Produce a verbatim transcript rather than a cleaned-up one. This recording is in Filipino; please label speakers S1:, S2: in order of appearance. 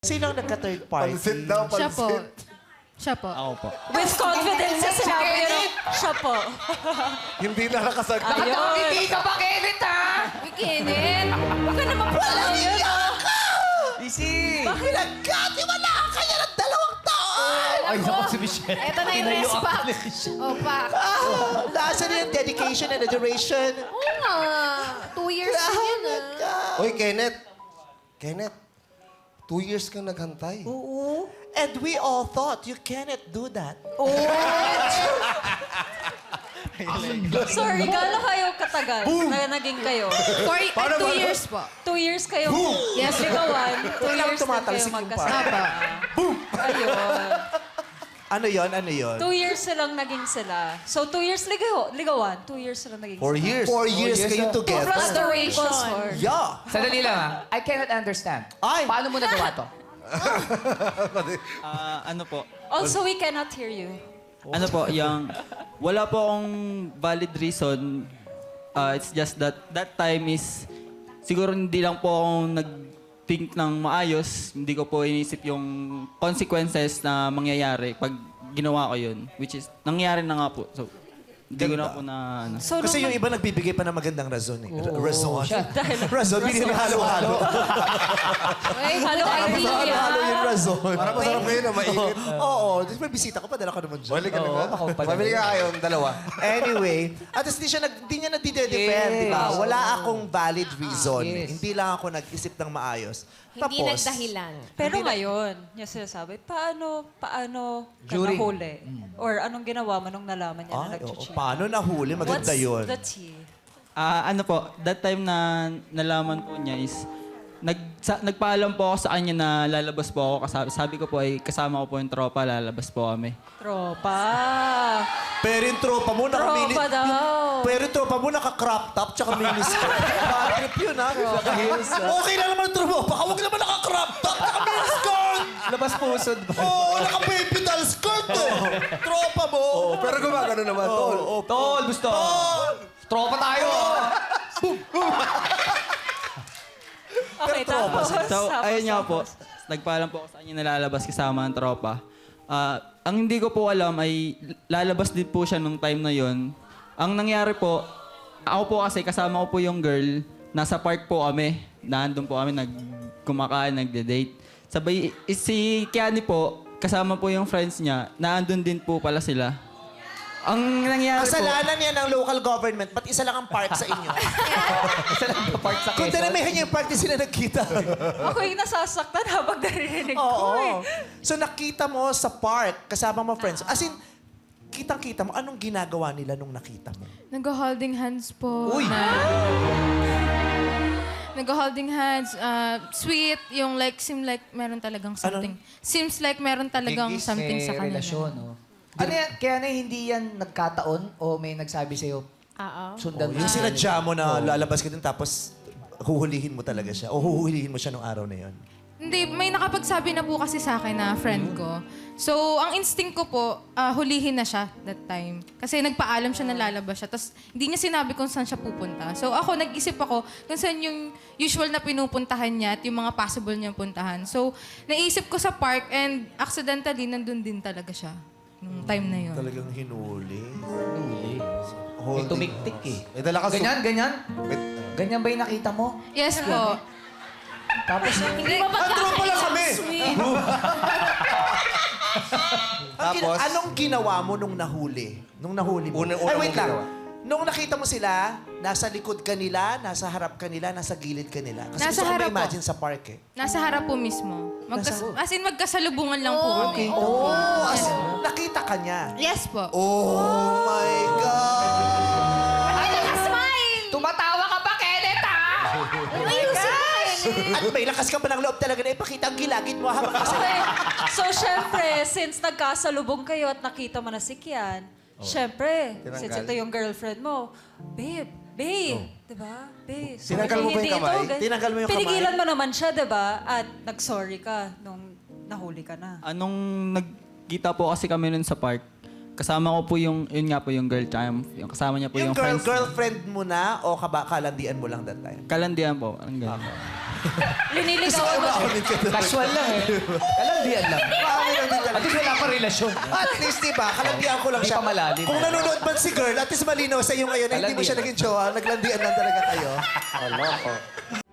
S1: Sino ang nagka-third party?
S2: Pansit daw,
S3: Siya po.
S2: pansit.
S3: Siya po.
S4: Ako po.
S5: With confidence na sinabi niya na, siya po.
S2: Hindi na nakasagot.
S5: Ayun.
S6: Hindi ka ba, Kenneth, ha?
S5: Uy, Kenneth. Huwag ka naman pala yun, oh.
S4: Easy!
S1: Pinagkatiwala kayo ng dalawang taon!
S4: Ay, naku si Michelle.
S3: Ito na yung rest pack. Oh, pack.
S1: Ah, nasa na yung dedication and the duration?
S3: Oo nga. Two years na yun, ah.
S2: Uy, Kenneth. Kenneth, two years kang naghantay.
S1: Oo. And we all thought you cannot do that.
S5: Sorry, gano'n kayo katagal na naging kayo?
S3: For uh, two years po.
S5: Two years kayo
S3: Yes,
S5: ligawan. Two
S1: Kailangan
S5: years na kayo
S1: tumatalsik yung
S5: magkasama. Ayun.
S1: Ano yon? Ano yon?
S5: Two years silang naging sila. So, two years ligaw, ligawan. Two years silang naging
S2: Four
S5: sila.
S2: years.
S1: Four years kayo
S5: Plus
S1: together.
S5: the equals four.
S1: Yeah.
S6: Sandali lang, ha? I cannot understand.
S1: Ay!
S6: Paano mo nagawa to?
S4: Ah, ano po?
S5: Also, we cannot hear you.
S4: Ano po, yung... Wala po akong valid reason. Ah, it's just that that time is... Siguro hindi lang po akong nag-think ng maayos. Hindi ko po inisip yung consequences na mangyayari pag ginawa ko yun. Which is, nangyari na nga po. So, hindi ko na po na... Ano.
S5: So,
S1: Kasi
S5: nung
S1: yung iba nagbibigay pa ng magandang razon eh. Razon.
S6: siya.
S1: Razon, hindi na halo-halo.
S5: Ay, halo, Irene.
S1: Halo-halo yung razon.
S2: Para masarap ngayon na mainit.
S1: Oo. Di ba bisita ko, padala ka naman dyan.
S2: Bali ka na
S6: Oo,
S2: nga.
S6: ako pala.
S2: Pabili ka kayong dalawa.
S1: Anyway, at least di siya nag, di niya nadide-defend, di ba?
S6: Yes.
S1: Wala akong valid reason.
S6: Yes.
S1: Hindi lang ako nag-isip ng maayos.
S3: Hindi
S1: Tapos,
S3: nagdahilan.
S5: Pero ngayon, niya sinasabi, paano, paano ka
S6: During.
S5: nahuli? Or anong ginawa mo nung nalaman niya na
S1: Ay, oo,
S5: nag-cheat?
S1: paano nahuli? Maganda
S5: What's
S1: yun.
S5: the tea?
S4: Ah, ano po, that time na nalaman po niya is... Nag, sa, nagpaalam po ako sa kanya na lalabas po ako. Kasabi, sabi ko po ay kasama ko po yung tropa, lalabas po kami.
S5: Tropa.
S1: Pero yung tropa mo, nakamili...
S5: Tropa daw.
S1: Pero yung tropa mo, naka-crop top, tsaka miniskirt. Bad trip yun, ha? Okay lang naman ang tropa. Baka huwag naman naka-crop top, naka-miniskirt!
S6: Labas pusod ba?
S1: Oo, oh, naka-baby doll skirt, eh. Tropa mo.
S2: Oh, pero gumagano naman, tol.
S1: Oo,
S6: Tol, gusto. Tropa tayo.
S5: Okay, tapos.
S4: So,
S5: tapos,
S4: ayun nga po.
S5: tapos.
S4: Nagpaalam po ako sa kanya na lalabas kasama ang tropa. Ah, ang hindi ko po alam ay lalabas din po siya nung time na yon. Ang nangyari po, ako po kasi kasama ko po yung girl. Nasa park po kami. Nandun po kami, nagkumakain, nagde-date. Sabay, eh, si Kiani po, kasama po yung friends niya. Naandun din po pala sila. Ang nangyari po...
S1: Kasalanan yan ng local government. Ba't isa lang ang park sa inyo?
S6: Isa lang pa park sa
S1: Kung
S6: Quezon.
S1: dinamihan niyo yung park, di sila nagkita.
S5: Ako yung nasasaktan habang naririnig ko
S1: Oo.
S5: eh.
S1: So nakita mo sa park, kasama mo friends. As in, kitang-kita mo, anong ginagawa nila nung nakita mo?
S3: Nag-holding hands po.
S1: Uy!
S3: Nag-holding hands. uh, sweet. Yung like, seem like meron talagang something. Seems like meron talagang
S6: Gigis,
S3: something
S6: may
S3: sa kanila.
S6: relasyon, oh. Ano yan? Kaya na hindi yan nagkataon o may nagsabi sa'yo,
S3: Oo.
S6: sundan mo
S1: Yung
S6: si
S1: sinadya mo na lalabas ka din tapos huhulihin mo talaga siya. O huhulihin mo siya nung araw na yon.
S3: Hindi, may nakapagsabi na po kasi sa akin na friend ko. So, ang instinct ko po, ah, hulihin na siya that time. Kasi nagpaalam siya na lalabas siya. Tapos, hindi niya sinabi kung saan siya pupunta. So, ako, nag-isip ako kung saan yung usual na pinupuntahan niya at yung mga possible niyang puntahan. So, naisip ko sa park and accidentally, nandun din talaga siya. Nung time na yun.
S1: Talagang hinuli.
S6: May
S1: Holding
S6: tumiktik
S1: hands.
S6: eh.
S2: May dala ka su-
S6: Ganyan, ganyan?
S2: May-
S6: Ganyan ba yung nakita mo?
S3: Yes po.
S6: Tapos,
S5: Hindi ba
S1: Ang tropa lang kami!
S5: sweet?
S1: Ang gina-
S2: Tapos?
S1: anong ginawa mo nung nahuli? Nung nahuli mo?
S2: Una- una
S1: Ay, wait
S2: mong
S1: lang.
S2: ginawa.
S1: Nung nakita mo sila, nasa likod ka nila, nasa harap ka nila, nasa gilid ka nila. Kasi
S3: Nasa
S1: gusto ko
S3: harap po.
S1: ma-imagine sa park eh.
S3: Nasa harap po mismo. Magkas- as in, magkasalubungan lang po kami.
S1: Oh, as in, nakita ka niya.
S3: Yes po.
S1: Oh my God!
S3: Ay, naka-smile!
S6: tumatawa ka ba, Kenneth, ha?
S1: At may lakas ka pa ng loob talaga na ipakita ang gilagid mo habang kasi...
S5: Okay. So, syempre, since nagkasalubong kayo at nakita mo na si Kian, syempre,
S2: Tinanggal.
S5: since ito yung girlfriend mo, babe, babe, di ba? Babe, sorry
S2: Tinanggal mo ba yung
S5: hindi
S2: kamay?
S5: ito, gan-
S1: Tinanggal mo yung kamay?
S5: Pinigilan mo naman siya, di ba? At nag-sorry ka nung nahuli ka na.
S4: Anong nagkita po kasi kami nun sa park, kasama ko po yung, yun nga po yung girl, tsaka yung, yung kasama niya po
S1: Yung
S4: yung,
S1: girl,
S4: friends.
S1: girlfriend mo na o kaba, kalandian mo lang that time?
S4: Kalandian po. Parang ganun.
S5: Liniligawan mo.
S1: Umaamin ka doon.
S6: Casual lang eh. Kalandian lang.
S1: Umaamin lang din talaga.
S6: At least wala pa relasyon.
S1: At least, di ba, kalandian ko lang
S6: Hindi
S1: siya.
S6: pa malalim.
S1: Kung nanonood man si girl, at least malinaw sa iyo ngayon na hindi mo siya
S6: Kalandian.
S1: naging jowa, naglandian lang talaga kayo.
S2: Ano ko?